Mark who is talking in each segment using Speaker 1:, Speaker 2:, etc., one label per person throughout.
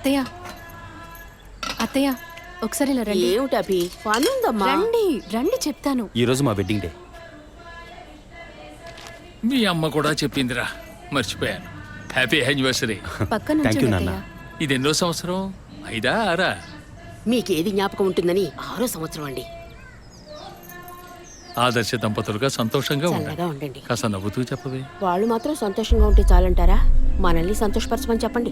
Speaker 1: అత్తయ్య అత్తయ్య ఒకసారి ఇలా రండి.
Speaker 2: ఏమిటి అభి, పనుందమ్మా.
Speaker 1: రండి రండి చెప్తాను.
Speaker 3: ఈరోజు మా వెడ్డింగ్ డే.
Speaker 4: మీ అమ్మ కూడా చెప్పిందిరా, మర్చిపోయాను. Happy anniversary.
Speaker 1: పక్కన
Speaker 3: Thank you,
Speaker 1: నుంచోండి
Speaker 3: నాన్న.
Speaker 1: అత్తయ్య.
Speaker 4: ఇది ఎన్నో సంవత్సరం? 5 6?
Speaker 2: మీకేది జ్ఞాపకం ఉంటుందని 6వ సంవత్సరం అండి.
Speaker 4: ఆదర్శ దంపతులుగా సంతోషంగా ఉండండి.
Speaker 2: చల్లగా ఉండండి.
Speaker 4: కాస్త నవ్వుతూ చెప్పవే.
Speaker 2: వాళ్ళు మాత్రం సంతోషంగా ఉంటే చాలంటారా? మనల్ని సంతోషపరచమని చెప్పండి.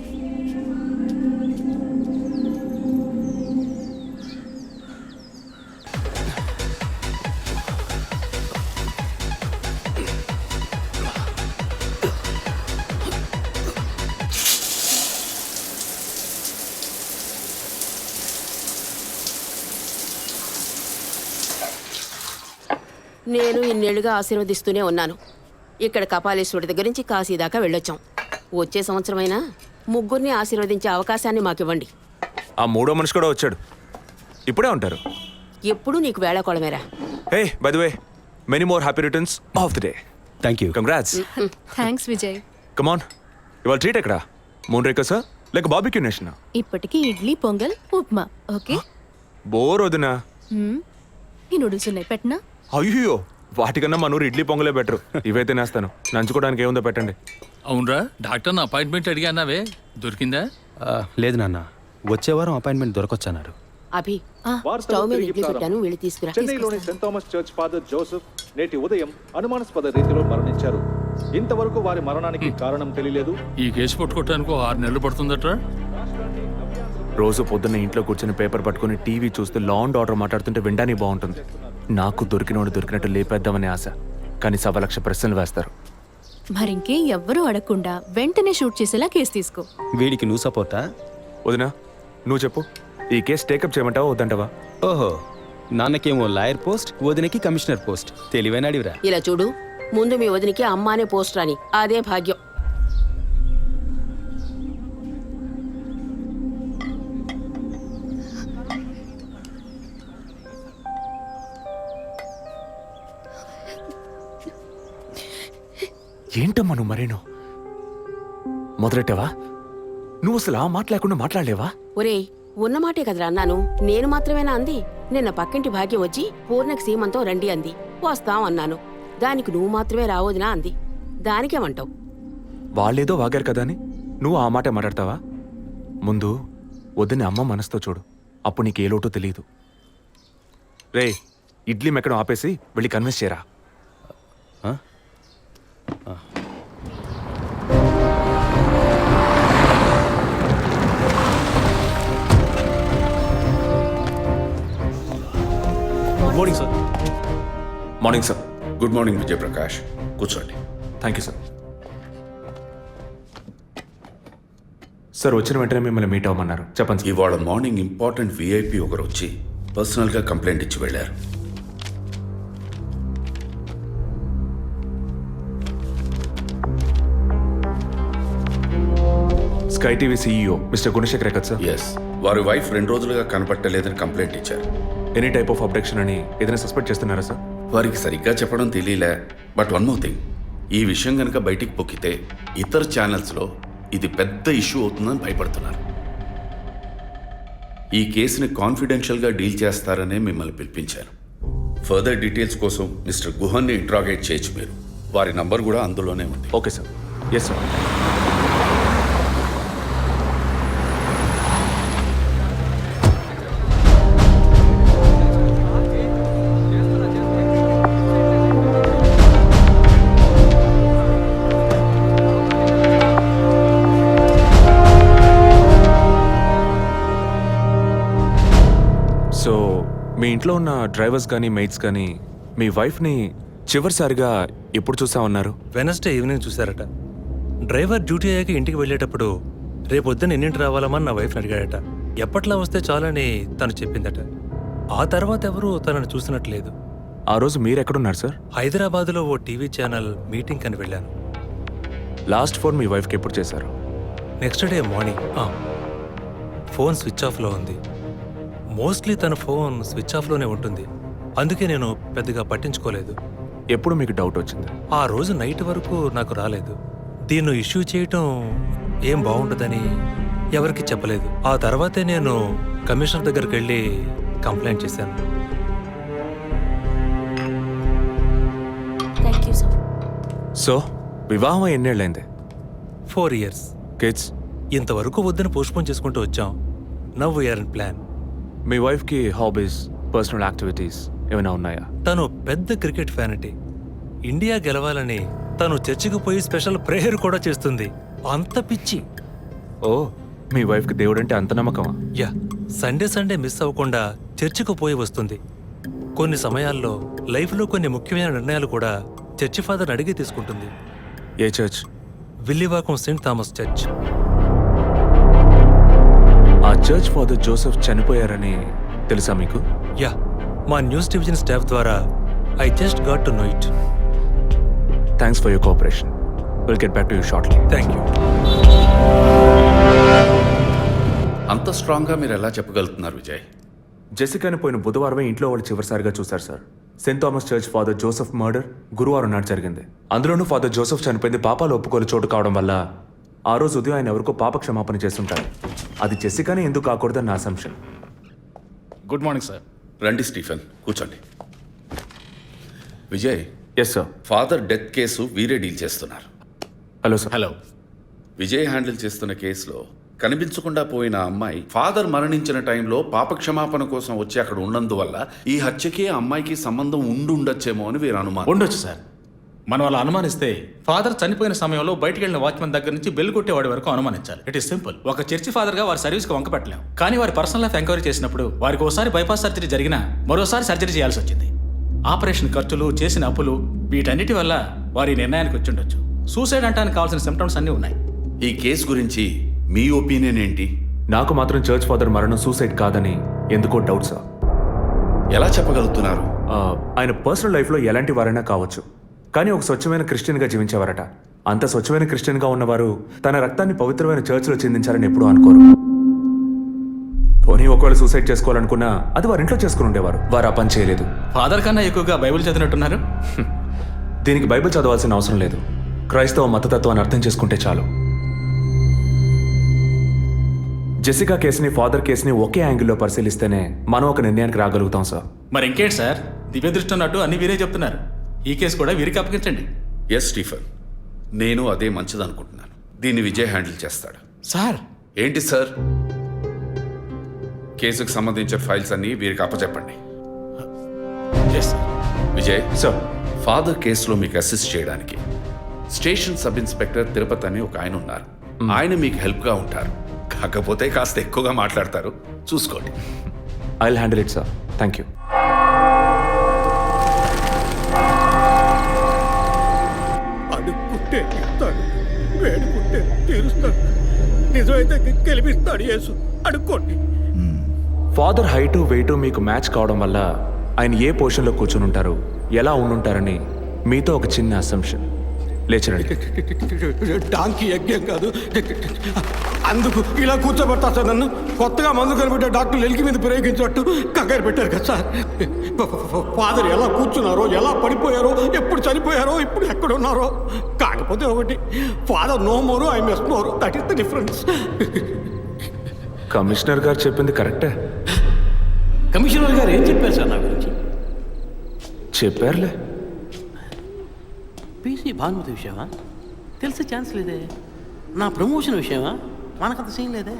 Speaker 2: నేను ఇన్నేళ్లుగా ఆశీర్వదిస్తూనే ఉన్నాను. ఇక్కడ కపాలేశ్వరుడి దగ్గర నుంచి కాశీ దాకా వెళ్ళొచ్చాం. వచ్చే సంవత్సరమైనా ముగ్గురిని ఆశీర్వదించే అవకాశాన్ని మాకివ్వండి.
Speaker 5: ఆ మూడో మనిషి కూడా వచ్చాడు. ఇప్పుడే ఉంటారు.
Speaker 2: ఎప్పుడు నీకు వేళాకోళమేరా.
Speaker 5: Hey by the way, many more happy returns of the day.
Speaker 3: Thank you.
Speaker 5: Congrats.
Speaker 1: Thanks Vijay.
Speaker 5: Come on, ఇవాళ ట్రీట్ ఎక్కడా? మూన్ రేకసా లేక బాబిక్యూ నేషన్?
Speaker 1: ఇప్పటికి ఇడ్లీ పొంగల్ ఉప్మా. ఓకే.
Speaker 5: బోర్ వదినా.
Speaker 1: ఈ నూడిల్స్ ఉన్నాయి, పెట్టనా?
Speaker 5: అయ్యో, వాటికన్నా మన ఊరు ఇడ్లీ పొంగలే బెటర్. ఇవైతే నేస్తాను. నంచుకోవడానికి ఏముందో పెట్టండి.
Speaker 4: అవునరా, డాక్టర్ అపాయింట్మెంట్ అడిగానావే, దొరికిందా?
Speaker 3: లేదు నాన్న, వచ్చే వారం అపాయింట్మెంట్ దొరకొచ్చన్నారు.
Speaker 2: అభి, స్టవ్ మీద ఇడ్లీ పెట్టాను, వెళ్ళి తీసుకురా.
Speaker 6: చెన్నైలోని Saint Thomas church father Joseph నేటి ఉదయం అనుమానాస్పద రీతిలో మరణించారు. ఇంతవరకు వారి మరణానికి కారణం తెలియలేదు.
Speaker 4: ఈ కేసు పట్టుకోవటానికి 6 నెలలు పడుతుందట్రా.
Speaker 5: రోజు పొద్దున్న ఇంట్లో కూర్చొని పేపర్ పట్టుకుని టీవీ చూస్తూ లా అండ్ ఆర్డర్ మాట్లాడుతుంటే వినడానికి బాగుంటుంది. నాకు దొరికినోడు దొరికినట్టు లేపేద్దామనే ఆశ, కానీ 1,00,000 ప్రశ్నలు వేస్తారు.
Speaker 1: మరింకే ఎవ్వరూ అడగకుండా వెంటనే షూట్ చేసేలా కేసు తీసుకో.
Speaker 3: వీడికి నువ్వు సపోర్టా?
Speaker 5: వదినా, నువ్వు చెప్పు, ఈ కేసు టేకప్ చేయమంటావా వద్దంటావా?
Speaker 3: ఓహో, నాన్నకేమో లాయర్ పోస్ట్, వదినకి కమిషనర్ పోస్ట్. తెలివైన అడివిరా.
Speaker 2: ఇలా చూడు, ముందు మీ వదినికి అమ్మానే పోస్ట్ రాని, అదే భాగ్యం.
Speaker 5: ఏంటమ్మా నువ్వు మరేను మొదలెట్టావా? నువ్వు అసలు ఆ మాట లేకుండా మాట్లాడలేవా?
Speaker 2: ఒరేయ్, ఉన్నమాటే కదరా అన్నాను. నేను మాత్రమేనా అంది? నిన్న పక్కింటి భాగ్యం వచ్చి పూర్ణకి సీమంతో రండి అంది. వస్తాం అన్నాను. దానికి నువ్వు మాత్రమే రావద్దునా అంది. దానికేమంటావు?
Speaker 5: వాళ్ళేదో వాగారు కదా అని నువ్వు ఆ మాట మాట్లాడతావా? ముందు వద్దని అమ్మ మనసుతో చూడు, అప్పుడు నీకు ఏ లోటో తెలియదు. రే, ఇడ్లీ మెక్కడం ఆపేసి వెళ్ళి కన్విన్స్ చేయరా.
Speaker 3: Morning sir.
Speaker 5: Morning sir.
Speaker 7: Good morning Vijayaprakash, కూర్చోండి.
Speaker 5: Thank you sir. సార్, వచ్చిన వెంటనే మిమ్మల్ని మీట్ అవ్వమన్నారు. చెప్పండి సార్.
Speaker 7: ఇవాళ మార్నింగ్ ఇంపార్టెంట్ విఐపి ఒకరు వచ్చి పర్సనల్గా కంప్లైంట్ ఇచ్చి వెళ్ళారు.
Speaker 5: Sky TV CEO mister Gunasekhar కదా సార్?
Speaker 7: ఎస్, వారి వైఫ్ 2 రోజులుగా కనపట్టలేదని కంప్లైంట్ ఇచ్చారు.
Speaker 5: ఎనీ టైప్ ఆఫ్ అబ్డక్షన్ అని ఏదైనా సస్పెక్ట్ చేస్తున్నారా సార్?
Speaker 7: వారికి సరిగ్గా చెప్పడం తెలియలే. బట్ వన్ మోర్ థింగ్, ఈ విషయం కనుక బయటికి పొక్కితే ఇతర ఛానల్స్లో ఇది పెద్ద ఇష్యూ అవుతుందని భయపడుతున్నారు. ఈ కేసుని కాన్ఫిడెన్షియల్గా డీల్ చేస్తారనే మిమ్మల్ని పిలిపించాను. ఫర్దర్ డీటెయిల్స్ కోసం మిస్టర్ గుహన్ని ఇంట్రాగేట్ చేయొచ్చు మీరు. వారి నంబర్ కూడా అందులోనే ఉంది.
Speaker 5: Okay sir. Yes sir. So మీ ఇంట్లో ఉన్న డ్రైవర్స్ కానీ మెయిట్స్ కానీ మీ వైఫ్ని చివరిసారిగా ఎప్పుడు చూసా ఉన్నారు?
Speaker 8: వెనస్డే ఈవినింగ్ చూశారట. డ్రైవర్ డ్యూటీ అయ్యాక ఇంటికి వెళ్ళేటప్పుడు రేపొద్దున ఎన్నింటి రావాలమని నా వైఫ్ని అడిగాడట. ఎప్పట్లా వస్తే చాలని తను చెప్పిందట. ఆ తర్వాత ఎవరూ తనను చూసినట్లేదు.
Speaker 5: ఆ రోజు మీరు ఎక్కడున్నారు సార్?
Speaker 8: హైదరాబాద్లో ఓ టీవీ ఛానల్ మీటింగ్ అని వెళ్ళాను.
Speaker 5: లాస్ట్ ఫోన్ మీ వైఫ్కి ఎప్పుడు చేశారు?
Speaker 8: Next day morning. Phone switch ఆఫ్లో ఉంది. మోస్ట్లీ తన ఫోన్ స్విచ్ ఆఫ్లోనే ఉంటుంది. అందుకే నేను పెద్దగా పట్టించుకోలేదు.
Speaker 5: ఎప్పుడు మీకు డౌట్ వచ్చింది?
Speaker 8: ఆ రోజు నైట్ వరకు నాకు రాలేదు. దీన్ని ఇష్యూ చేయటం ఏం బాగుండదని ఎవరికి చెప్పలేదు. ఆ తర్వాతే నేను కమిషనర్ దగ్గరికి వెళ్ళి కంప్లైంట్ చేశాను.
Speaker 1: Thank you sir.
Speaker 5: సో వివాహం ఎన్నేళ్ళైంది?
Speaker 8: 4 years.
Speaker 5: కిడ్స్?
Speaker 8: ఇంతవరకు వద్దని పోస్ట్పోన్ చేసుకుంటూ వచ్చాం. Now we are in plan.
Speaker 5: మీ వైఫ్కి హాబీస్, పర్సనల్ యాక్టివిటీస్ ఏమైనా ఉన్నాయా?
Speaker 8: తను పెద్ద క్రికెట్ ఫ్యానిటీ. ఇండియా గెలవాలని తను చర్చికి పోయి స్పెషల్ ప్రేయర్ కూడా చేస్తుంది. అంత పిచ్చి.
Speaker 5: ఓ, మీ వైఫ్కి దేవుడంటే అంత నమ్మకమా?
Speaker 8: యా, సండే మిస్ అవ్వకుండా చర్చికి పోయి వస్తుంది. కొన్ని సమయాల్లో లైఫ్లో కొన్ని ముఖ్యమైన నిర్ణయాలు కూడా చర్చి ఫాదర్ అడిగి తీసుకుంటుంది.
Speaker 5: ఏ church?
Speaker 8: Villivakkam Saint Thomas church.
Speaker 5: ఆ చర్చ్ ఫాదర్ జోసెఫ్ చనిపోయారని తెలుసా మీకు?
Speaker 8: యా, మా న్యూస్ డివిజన్ స్టాఫ్ ద్వారా I just got to know it.
Speaker 5: Thanks for your cooperation. Will get back to you shortly.
Speaker 8: Thank you.
Speaker 7: అంత స్ట్రాంగ్గా మీరు ఎలా చెప్పగలుగుతున్నారు విజయ్?
Speaker 5: జెసికాని పోయిన బుధవారమే ఇంట్లో వాళ్ళు చివరిసారిగా చూశారు సార్. Saint Thomas church father Joseph murder గురువారం నాడు జరిగింది. అందులోనూ ఫాదర్ జోసెఫ్ చనిపోయింది పాపాలు ఒప్పుకోలు చోటు కావడం వల్ల ఆ రోజు ఉదయం ఆయన ఎవరికో పాప క్షమాపణ చేస్తుంటారు. అది జెసికానే ఎందుకు కాకూడదని నా అసంప్షన్.
Speaker 9: Good morning sir.
Speaker 7: రండి స్టీఫెన్, కూర్చోండి. Vijay,
Speaker 5: yes sir.
Speaker 7: Father death case వీరే డీల్ చేస్తున్నారు.
Speaker 5: Hello sir.
Speaker 9: Hello.
Speaker 7: Vijay handle చేస్తున్న కేసులో కనిపించకుండా పోయిన అమ్మాయి ఫాదర్ మరణించిన టైంలో పాప క్షమాపణ కోసం వచ్చి అక్కడ ఉన్నందువల్ల ఈ హత్యకి ఆ అమ్మాయికి సంబంధం ఉండొచ్చేమో అని వీరు అనుమానం.
Speaker 9: ఉండొచ్చు సార్. మనం అలా అనుమానిస్తే ఫాదర్ చనిపోయిన సమయంలో బయటికి వెళ్ళిన వాచ్మెన్ దగ్గర నుంచి బెల్ కొట్టేవాడి వరకు అనుమానించాలి. It is simple. ఒక చర్చి ఫాదర్ గా వారి సర్వీస్ కి వంక పెట్టలేం. కానీ వారి పర్సనల్ లైఫ్ ఎంక్వైరీ చేసినప్పుడు వారికి ఒకసారి బైపాస్ సర్జరీ జరిగినా మరోసారి సర్జరీ చేయాల్సి వచ్చింది. ఆపరేషన్ ఖర్చులు, చేసిన అప్పులు, వీటన్నిటి వల్ల వారి నిర్ణయానికి వచ్చి ఉండొచ్చు. సూసైడ్ అంటానికి కావాల్సిన సిమ్టమ్స్ అన్నీ ఉన్నాయి.
Speaker 7: ఈ కేసు గురించి మీ ఒపీనియన్ ఏంటి?
Speaker 5: నాకు మాత్రం చర్చ్ ఫాదర్ మరణం సూసైడ్ కాదని ఎందుకో డౌట్ సార్.
Speaker 7: ఎలా చెప్పగలుగుతున్నారు?
Speaker 5: ఆయన పర్సనల్ లైఫ్లో ఎలాంటి వారైనా కావచ్చు, కానీ ఒక స్వచ్ఛమైన క్రిస్టియన్గా జీవించేవారట. అంత స్వచ్ఛమైన క్రిస్టియన్గా ఉన్నవారు తన రక్తాన్ని పవిత్రమైన చర్చ్లో చెందించారని ఎప్పుడూ అనుకోరు. పోనీ ఒకవేళ సూసైడ్ చేసుకోవాలనుకున్నా అది వారి ఇంట్లో చేసుకుని ఉండేవారు. వారు ఆ పని చేయలేదు.
Speaker 9: ఫాదర్ కన్నా ఎక్కువగా బైబిల్ చదివినట్టున్నారు.
Speaker 5: దీనికి బైబిల్ చదవాల్సిన అవసరం లేదు. క్రైస్తవ మతతత్వాన్ని అర్థం చేసుకుంటే చాలు. జెసికా కేసుని, ఫాదర్ కేసుని ఒకే యాంగిల్లో పరిశీలిస్తేనే మనం ఒక నిర్ణయానికి రాగలుగుతాం సార్.
Speaker 9: మరి ఇంకేంటి సార్, దివ్య దృష్టి ఉన్నట్టు అన్ని వీరే చెప్తున్నారు. ఈ కేసు కూడా వీరికి అప్పగించండి.
Speaker 7: ఎస్ స్టీఫెన్, నేను అదే మంచిదనుకుంటున్నాను. దీన్ని విజయ్ హ్యాండిల్ చేస్తాడు.
Speaker 9: సార్.
Speaker 7: ఏంటి సార్? కేసుకు సంబంధించిన ఫైల్స్ అన్ని వీరికి అప్పచెప్పండి.
Speaker 9: Yes sir.
Speaker 7: Vijay
Speaker 5: sir,
Speaker 7: father కేసులో మీకు అసిస్ట్ చేయడానికి స్టేషన్ సబ్ ఇన్స్పెక్టర్ తిరుపతి అని ఒక ఆయన ఉన్నారు. ఆయన మీకు హెల్ప్గా ఉంటారు. కాకపోతే కాస్త ఎక్కువగా మాట్లాడతారు, చూసుకోండి.
Speaker 5: I will handle it sir. Thank you.
Speaker 10: అడుక్కుంటే ఇస్తాడు, వేడుకుంటే తీరుస్తాడు, నిజమైతే గెలిపిస్తాడు యేసు. అడుక్కోండి.
Speaker 5: ఫాదర్ హైటు వెయిటు మీకు మ్యాచ్ కావడం వల్ల ఆయన ఏ పొజిషన్లో కూర్చుని ఉంటారు, ఎలా ఉండుంటారని మీతో ఒక చిన్న అసంప్షన్. లేచరండి.
Speaker 10: డాంకీ యజ్ఞం కాదు, అందుకు ఇలా కూర్చోబెడతా సార్ నన్ను. కొత్తగా మందు కనిపెట్టే డాక్టర్లు ఎలికి మీద ప్రయోగించినట్టు కంగారు పెట్టారు కదా సార్. ఫాదర్ ఎలా కూర్చున్నారో, ఎలా పడిపోయారో, ఎప్పుడు చనిపోయారో, ఇప్పుడు ఎక్కడున్నారో. కాకపోతే ఒకటి, father no more, I mess more. That is the difference.
Speaker 5: Commissioner గారు చెప్పింది కరెక్టే.
Speaker 10: కమిషనర్ గారు ఏం చెప్పారు సార్ నా గురించి?
Speaker 5: చెప్పారులే.
Speaker 11: పీసీ భానుమతి విషయమా? తెలిసే ఛాన్స్ లేదే. నా ప్రమోషన్ విషయమా? మనకంత సీన్ లేదే.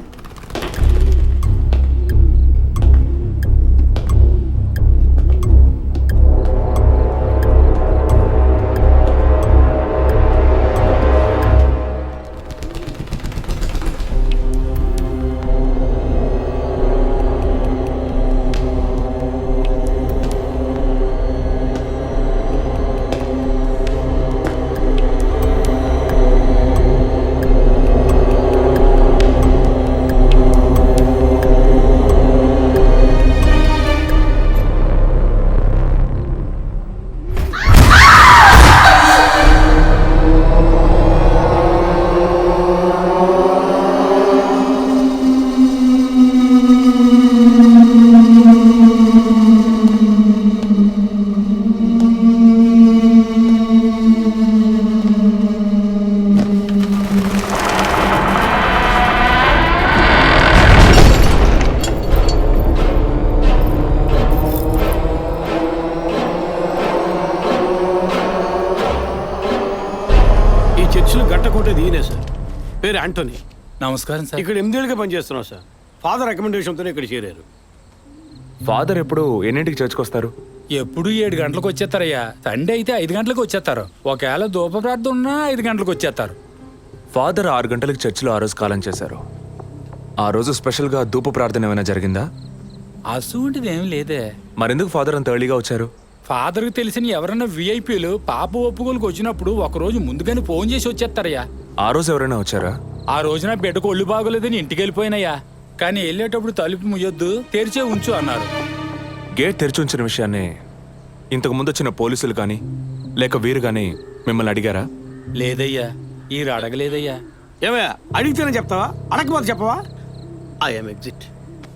Speaker 10: పేరు యాంటోనీ.
Speaker 9: నమస్కారం సార్.
Speaker 10: ఇక్కడ 8 ఏళ్ళుగా పనిచేస్తున్నాం సార్. ఫాదర్ రికమెండేషన్తోనే ఇక్కడ చేరారు.
Speaker 5: ఫాదర్ ఎప్పుడు ఎన్నింటికి చర్చ్కి వస్తారు?
Speaker 9: ఎప్పుడు 7 గంటలకు వచ్చేస్తారయ్యా. సండే అయితే 5 గంటలకు వచ్చేస్తారు. ఒకవేళ ధూప ప్రార్థన ఉన్నా 5 గంటలకు వచ్చేస్తారు.
Speaker 5: ఫాదర్ 6 గంటలకు చర్చిలో ఆ రోజు కాలం చేశారు. ఆ రోజు స్పెషల్గా ధూప ప్రార్థన ఏమైనా జరిగిందా?
Speaker 9: అసువంటిది ఏం లేదే.
Speaker 5: మరెందుకు ఫాదర్ అంత ఎర్లీగా వచ్చారు?
Speaker 9: ఫాదర్కి తెలిసిన ఎవరైనా విఐపీలు పాప ఒప్పుకోలకు వచ్చినప్పుడు ఒకరోజు ముందుగానే ఫోన్ చేసి వచ్చేస్తారయ్యా.
Speaker 5: ఆ రోజు ఎవరైనా వచ్చారా?
Speaker 9: ఆ రోజున బిడ్డకు ఒళ్ళు బాగోలేదని ఇంటికి వెళ్ళిపోయినయ్యా. కానీ వెళ్ళేటప్పుడు తలుపు ముయ్యొద్దు, తెరిచే ఉంచు అన్నారు.
Speaker 5: గేట్ తెరిచి ఉంచిన విషయాన్ని ఇంతకు ముందు వచ్చిన పోలీసులు కానీ లేక వీరు కానీ మిమ్మల్ని అడిగారా?
Speaker 9: లేదయ్యా, ఈ అడగలేదయ్యా.
Speaker 10: ఏమయ్యా అడిగితేనే చెప్తావా, అడగకపోతే చెప్పవా? I'm exit.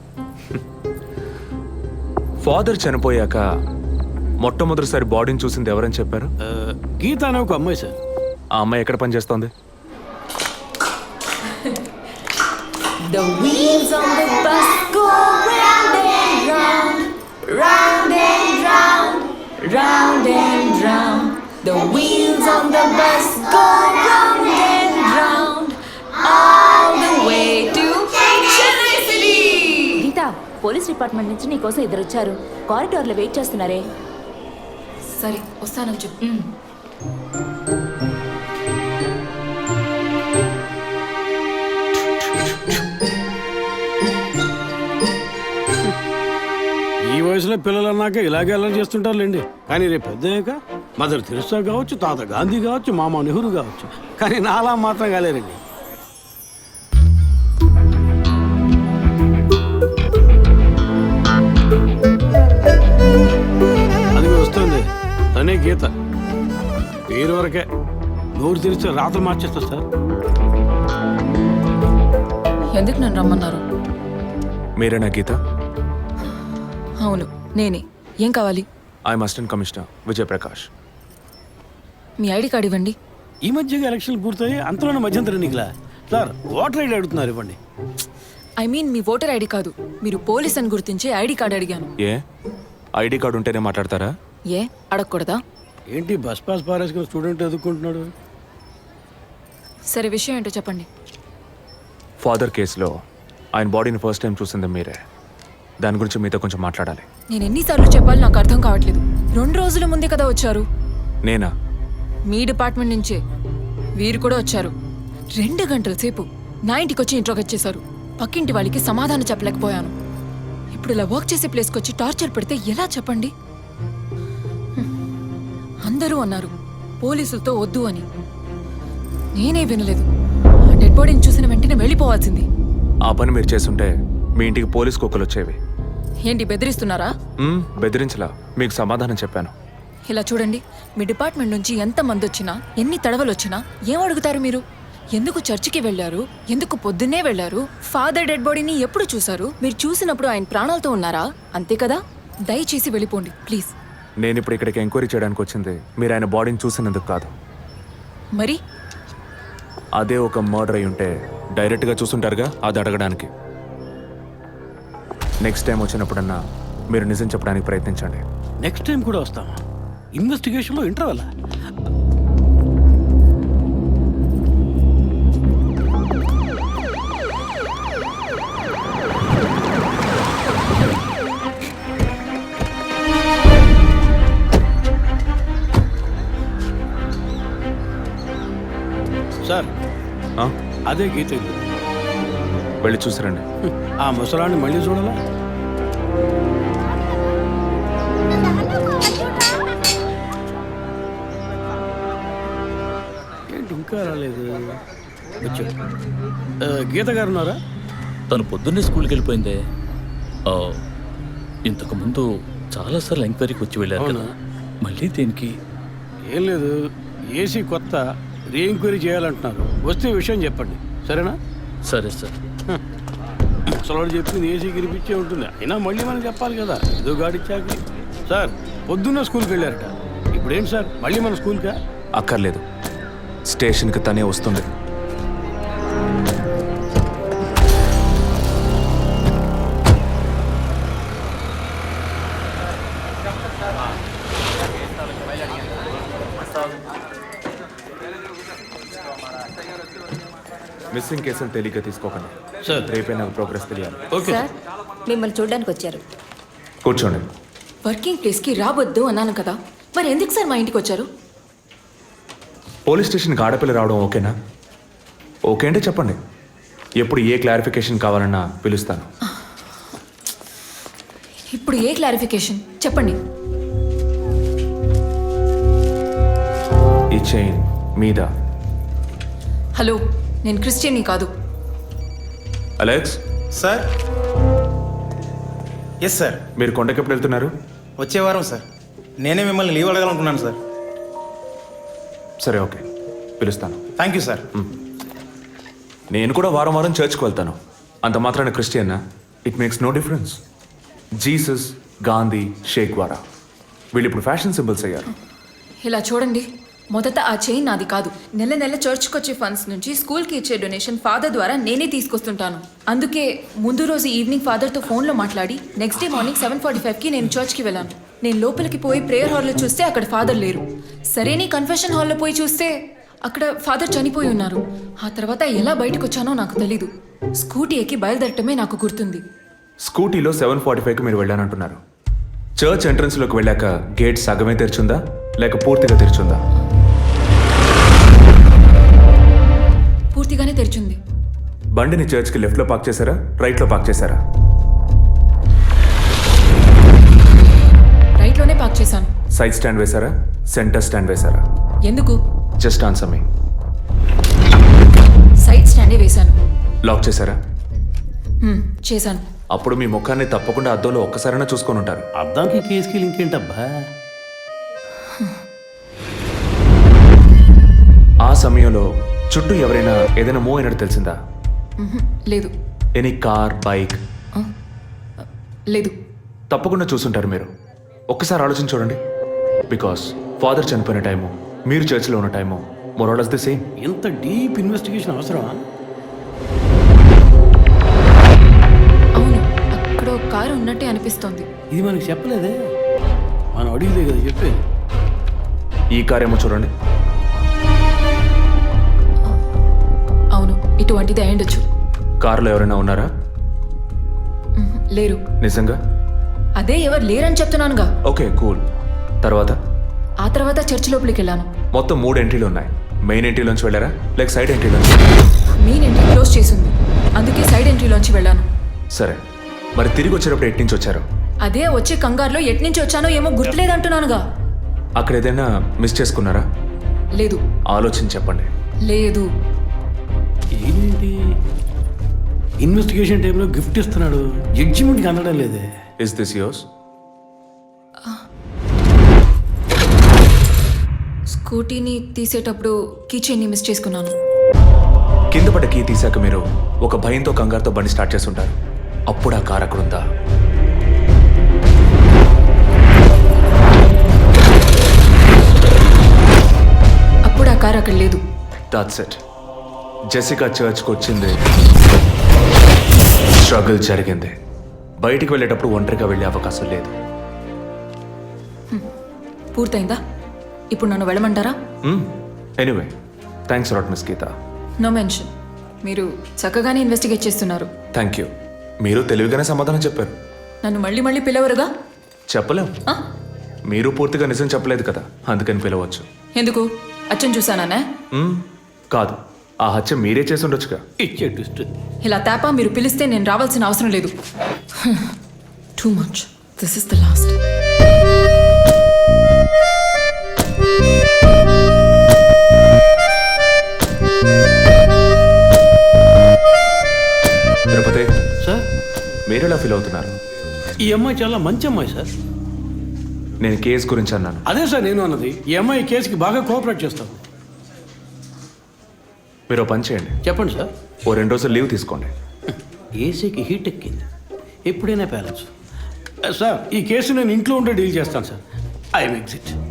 Speaker 5: ఫాదర్ చనిపోయాక మొట్టమొదటిసారి బాడీని చూసింది ఎవరని చెప్పారు?
Speaker 10: గీత అనే ఒక అమ్మాయి సార్.
Speaker 5: ఆ అమ్మాయి ఎక్కడ పనిచేస్తోంది?
Speaker 1: The wheels on the bus go round and round, round and round, round and round. The wheels on the bus go round and round, all the way to Chennai City.
Speaker 12: Geetha, police department నుంచి నీకోసం ఇద్దరు వచ్చారు. కారిడార్లో wait చేస్తున్నారే.
Speaker 1: సరే వస్తానని చెప్పు.
Speaker 10: ఈ వయసులో పిల్లలు అన్నాక ఇలాగే అల్లరి చేస్తుంటారులేండి. కానీ రేపు పెద్దయ్యాక మదర్ తెరిసా కావచ్చు, తాత గాంధీ కావచ్చు, మామ నెహ్రూ కావచ్చు. కానీ నాలా మాత్రం కాలేరండి. అది వస్తుంది, తనే గీత. పేరు వరకే, నోరు తెరిస్తే రాత్రి మార్చేస్తా సార్.
Speaker 1: ఎందుకు నన్ను రమ్మన్నారు?
Speaker 5: మీరేనా గీత?
Speaker 1: అవును నేనే. ఏం కావాలి?
Speaker 5: I'm assistant commissioner Vijayaprakash.
Speaker 1: మీ ఐడి కార్డ్ ఇవ్వండి.
Speaker 10: ఈ మధ్యగా ఎలక్షన్లు పూర్తయి అంతలోనే మధ్యంతర ఎన్నికలా సార్? ఓటర్ ఐడి అడుగుతున్నారు, ఇవ్వండి.
Speaker 1: ఐ మీన్ మీ ఓటర్ ఐడి కాదు, మీరు పోలీస్ అని గుర్తించే ఐడి కార్డ్ అడిగాను.
Speaker 5: ఏ ఐడి కార్డు ఉంటేనే మాట్లాడతారా?
Speaker 1: ఏ అడగకూడదా?
Speaker 10: ఏంటి బస్ పాస్ పారేసుకుని స్టూడెంట్ ఎదుర్కొంటున్నాడు?
Speaker 1: సరే విషయం ఏంటో చెప్పండి.
Speaker 5: ఫాదర్ కేసులో ఆయన బాడీని ఫస్ట్ టైం చూసింది మీరే. దాని గురించి మీతో కొంచెం మాట్లాడాలి.
Speaker 1: నేను ఎన్నిసార్లు చెప్పాలి, నాకు అర్థం కావట్లేదు. 2 రోజుల ముందే కదా వచ్చారు.
Speaker 5: నేనా?
Speaker 1: మీ డిపార్ట్మెంట్ నుంచే వీరు కూడా వచ్చారు. 2 గంటల సేపు నా ఇంటికి వచ్చి ఇంట్రోగేట్ చేశారు. పక్కింటి వాళ్ళకి సమాధానం చెప్పలేకపోయాను. ఇప్పుడు ఇలా వర్క్ చేసే ప్లేస్కి వచ్చి టార్చర్ పెడితే ఎలా చెప్పండి? అందరూ అన్నారు పోలీసులతో వద్దు అని. నేనే వినలేదు. ఆ డెడ్ బాడీని చూసిన వెంటనే వెళ్ళిపోవాల్సింది.
Speaker 5: ఆ పని మీరు చేస్తుంటే మీ ఇంటికి పోలీస్ కుక్కలు వచ్చేవి.
Speaker 1: ఏంటి బెదిరిస్తున్నారా?
Speaker 5: బెదిరించలా, మీకు సమాధానం చెప్పాను.
Speaker 1: ఇలా చూడండి, మీ డిపార్ట్మెంట్ నుంచి ఎంతమంది వచ్చినా, ఎన్ని తడవలు వచ్చినా ఏం అడుగుతారు మీరు? ఎందుకు చర్చికి వెళ్ళారు? ఎందుకు పొద్దున్నే వెళ్ళారు? ఫాదర్ డెడ్ బాడీని ఎప్పుడు చూశారు? మీరు చూసినప్పుడు ఆయన ప్రాణాలతో ఉన్నారా? అంతే కదా. దయచేసి వెళ్ళిపోండి ప్లీజ్.
Speaker 5: నేను ఇప్పుడు ఇక్కడికి ఎంక్వైరీ చేయడానికి వచ్చింది మీరు ఆయన బాడీని చూసినందుకు కాదు.
Speaker 1: మరి
Speaker 5: అదే ఒక మర్డర్ అయి ఉంటే డైరెక్ట్గా చూసుంటారుగా, అది అడగడానికి. నెక్స్ట్ టైం వచ్చినప్పుడన్నా మీరు నిజం చెప్పడానికి ప్రయత్నించండి.
Speaker 10: నెక్స్ట్ టైం కూడా వస్తామా? ఇన్వెస్టిగేషన్లో ఇంటర్వల్? సార్ అదే గీత ఇల్లు.
Speaker 5: వెళ్ళి చూసిరండి.
Speaker 10: ఆ ముసలాన్ని మళ్ళీ చూడాలా? ఏంటి ఇంకా రాలేదు? వచ్చాడు. గీత గారు ఉన్నారా?
Speaker 4: తను పొద్దున్నే స్కూల్కి వెళ్ళిపోయిందే. ఇంతకుముందు చాలాసార్లు ఎంక్వైరీకి వచ్చి వెళ్ళారు కదా, మళ్ళీ దేనికి?
Speaker 10: ఏం లేదు, ఏసీ కొత్త రీ ఎంక్వైరీ చేయాలంటున్నారు. వస్తే విషయం చెప్పండి, సరేనా?
Speaker 4: సరే సార్.
Speaker 10: ముసలాడు చెప్పింది ఏసీ గిరిపించే ఉంటుంది. అయినా మళ్ళీ మనం చెప్పాలి కదా, ఏదో గాడిచ్చాక. సార్ పొద్దున్న స్కూల్కి వెళ్ళారట, ఇప్పుడేంటి సార్ మళ్ళీ మన స్కూల్కా?
Speaker 5: అక్కర్లేదు, స్టేషన్కి తనే వస్తుంది. మిస్సింగ్ కేసులు తేలిగ్గా తీసుకోకండి
Speaker 10: సార్.
Speaker 5: రేపే నాకు ప్రోగ్రెస్ తెలియాలి.
Speaker 10: ఓకే
Speaker 12: సార్ మిమ్మల్ని చూడడానికి వచ్చారు.
Speaker 5: కూర్చోండి.
Speaker 1: వర్కింగ్ ప్లేస్కి రావద్దు అన్నాను కదా, మరి ఎందుకు సార్ మా ఇంటికి వచ్చారు?
Speaker 5: పోలీస్ స్టేషన్కి ఆడపిల్ల రావడం ఓకేనా? ఓకే అంటే చెప్పండి. ఎప్పుడు ఏ క్లారిఫికేషన్ కావాలన్నా పిలుస్తాను.
Speaker 1: ఇప్పుడు ఏ క్లారిఫికేషన్ చెప్పండి.
Speaker 5: ఈ చైన్ మీద.
Speaker 1: హలో, నేను క్రిస్టియన్ని కాదు.
Speaker 5: Alex,
Speaker 13: sir. Yes sir.
Speaker 5: మీరు కొండకి ఎప్పుడు వెళ్తున్నారు?
Speaker 13: వచ్చే వారం సార్. నేనే మిమ్మల్ని లీవ్ అడగాలనుకున్నాను సార్.
Speaker 5: సరే, ఓకే, పిలుస్తాను.
Speaker 13: Thank you sir.
Speaker 5: నేను కూడా వారం వారం చర్చ్కి వెళ్తాను. అంత మాత్రాన క్రిస్టియన్నా? It makes no difference. Jesus, Gandhi, Che Guevara వీళ్ళు ఇప్పుడు ఫ్యాషన్ సింబల్స్ అయ్యారు.
Speaker 1: ఇలా చూడండి, మొదట ఆ చైన్ నాది కాదు. నెల నెల చర్చ్కి వచ్చే ఫండ్స్ నుంచి స్కూల్కి ఇచ్చే డొనేషన్ ఫాదర్ ద్వారా నేనే తీసుకొస్తుంటాను. అందుకే ముందు రోజు ఈవినింగ్ ఫాదర్తో ఫోన్లో మాట్లాడి నెక్స్ట్ డే మార్నింగ్ 7:45కి నేను చర్చ్కి వెళ్ళాను. నేను లోపలికి పోయి ప్రేయర్ హాల్లో చూస్తే అక్కడ ఫాదర్ లేరు. సరే, నీ కన్ఫెషన్ హాల్లో పోయి చూస్తే అక్కడ ఫాదర్ చనిపోయి ఉన్నారు. ఆ తర్వాత ఎలా బయటకు వచ్చానో నాకు తెలీదు. స్కూటీ ఎక్కి బయలుదేరటమే నాకు గుర్తుంది.
Speaker 5: స్కూటీలో 7:45కి మీరు వెళ్ళానంటున్నారు. చర్చ్ ఎంట్రన్స్లోకి వెళ్ళాక గేట్ సగమే తెరిచుందా లేక పూర్తిగా తెరిచుందా?
Speaker 1: పూర్తిగానే తెరిచింది.
Speaker 5: బండిని చర్చ్కి లెఫ్ట్లో పార్క్ చేశారా, రైట్లో పార్క్ చేశారా?
Speaker 1: రైట్లోనే పార్క్ చేశాను.
Speaker 5: సైడ్ స్టాండ్ వేశారా, సెంటర్ స్టాండ్ వేశారా?
Speaker 1: ఎందుకు?
Speaker 5: Just answer me.
Speaker 1: సైడ్ స్టాండే వేశాను.
Speaker 5: లాక్ చేశారా?
Speaker 1: చేశాను.
Speaker 5: అప్పుడు మీ ముఖాన్ని తప్పకుండా అద్దంలో ఒక్కసారైనా చూసుకొని ఉంటారు.
Speaker 11: అద్దానికి కేసుకి లింక్ ఏంటబ్బా?
Speaker 5: ఆ సమయంలో చుట్టూ ఎవరైనా ఏదైనా మూవ్ అయినట్టు తెలిసిందా?
Speaker 1: లేదు.
Speaker 5: Any car, bike?
Speaker 1: లేదు.
Speaker 5: తప్పకుండా చూసుంటారు మీరు. ఒక్కసారి ఆలోచించి చూడండి. బికాస్ ఫాదర్ చనిపోయిన టైము, మీరు చర్చిలో ఉన్న టైము మోరాలస్ ది సేమ్.
Speaker 11: ఎంత డీప్ ఇన్వెస్టిగేషన్ అవసరమా?
Speaker 1: అవును, అక్కడ ఒక కారు ఉన్నట్టే అనిపిస్తోంది.
Speaker 11: ఇది మనకి చెప్పలేదే, మనం అడిగితే కదా చెప్పేది.
Speaker 5: ఈ కార్ ఏమో చూడండి.
Speaker 1: అవును, ఇటువంటిది అయ్యుండొచ్చు.
Speaker 5: కారులో ఎవరైనా ఉన్నారా?
Speaker 1: లేరు.
Speaker 5: నిజంగా?
Speaker 1: అదే ఎవరు లేరని చెప్తున్నానుగా.
Speaker 5: Okay, cool. తర్వాత?
Speaker 1: ఆ తర్వాత చర్చ్ లోపలికి వెళ్ళాను.
Speaker 5: మొత్తం 3 ఎంట్రీలు ఉన్నాయి. మెయిన్ ఎంట్రీలోంచి వెళ్ళారా లేక సైడ్ ఎంట్రీలోంచి?
Speaker 1: మెయిన్ ఎంట్రీ క్లోజ్ చేసింది, అందుకే సైడ్ ఎంట్రీలోంచి వెళ్ళాను.
Speaker 5: సరే, మరి తిరిగి వచ్చేటప్పుడు ఎట్నుంచి వచ్చారు?
Speaker 1: అదే వచ్చే కంగారులో ఎట్నుంచి వచ్చానో ఏమో గుర్తులేదంటున్నానుగా.
Speaker 5: అక్కడ ఏదైనా మిస్ చేసుకున్నారా?
Speaker 1: లేదు.
Speaker 5: ఆలోచించి చెప్పండి.
Speaker 1: లేదు.
Speaker 11: ఏంటి ఇన్వెస్టిగేషన్ టైంలో గిఫ్ట్ ఇస్తున్నాడు, జడ్జిమెంట్కి అందడం లేదే.
Speaker 5: Is this yours?
Speaker 1: స్కూటీని తీసేటప్పుడు కీచైన్ని మిస్ చేసుకున్నాను.
Speaker 5: కింద పడ్డ కీ తీసాక మీరు ఒక భయంతో కంగారుతో బండి స్టార్ట్ చేస్తుంటారు. అప్పుడు ఆ కార్ అక్కడ ఉందా?
Speaker 1: అప్పుడు ఆ కార్ అక్కడ లేదు.
Speaker 5: That's it. జెసికా చర్చ్కి వచ్చింది, స్ట్రగుల్ జరిగింది. బయటికి వెళ్ళేటప్పుడు ఒంటరిగా వెళ్ళే అవకాశం లేదు.
Speaker 1: పూర్తయిందా? ఇప్పుడు నన్ను వెళ్ళమంటారా?
Speaker 5: Anyway, thanks lot miss Geetha.
Speaker 1: No mention. మీరు చక్కగానే ఇన్వెస్టిగేట్ చేస్తున్నారు.
Speaker 5: Thank you. మీరు తెలివిగానే సమాధానం చెప్పారు.
Speaker 1: నన్ను మళ్ళీ మళ్ళీ పిలవరుగా?
Speaker 5: చెప్పలేం. మీరు పూర్తిగా నిజం చెప్పలేదు కదా, అందుకని పిలవచ్చు.
Speaker 1: ఎందుకు? అచ్చం చూసానా?
Speaker 5: కాదు, ఆ హత్య మీరే చేసి ఉండొచ్చుగా.
Speaker 11: ఇచ్చే ట్విస్ట్.
Speaker 1: ఇలా తేపా మీరు పిలిస్తే నేను రావాల్సిన అవసరం లేదు. Too much. This is the last.
Speaker 5: Tirupati
Speaker 11: sir,
Speaker 5: మీరు ఎలా ఫీల్ అవుతున్నారు?
Speaker 11: ఈ అమ్మాయి చాలా మంచి అమ్మాయి సార్.
Speaker 5: నేను కేసు గురించి అన్నాను.
Speaker 11: అదే సార్ నేను అన్నది. ఈ అమ్మాయి కేసుకి బాగా కోఆపరేట్ చేస్తాం.
Speaker 5: మీరు పని చేయండి.
Speaker 11: చెప్పండి సార్.
Speaker 5: 2 రోజులు లీవ్ తీసుకోండి.
Speaker 11: ఏసీకి హీట్ ఎక్కింది, ఎప్పుడైనా పేరెంట్స్. సార్, ఈ కేసు నేను ఇంట్లో ఉంటే డీల్ చేస్తాను సార్. I M exit.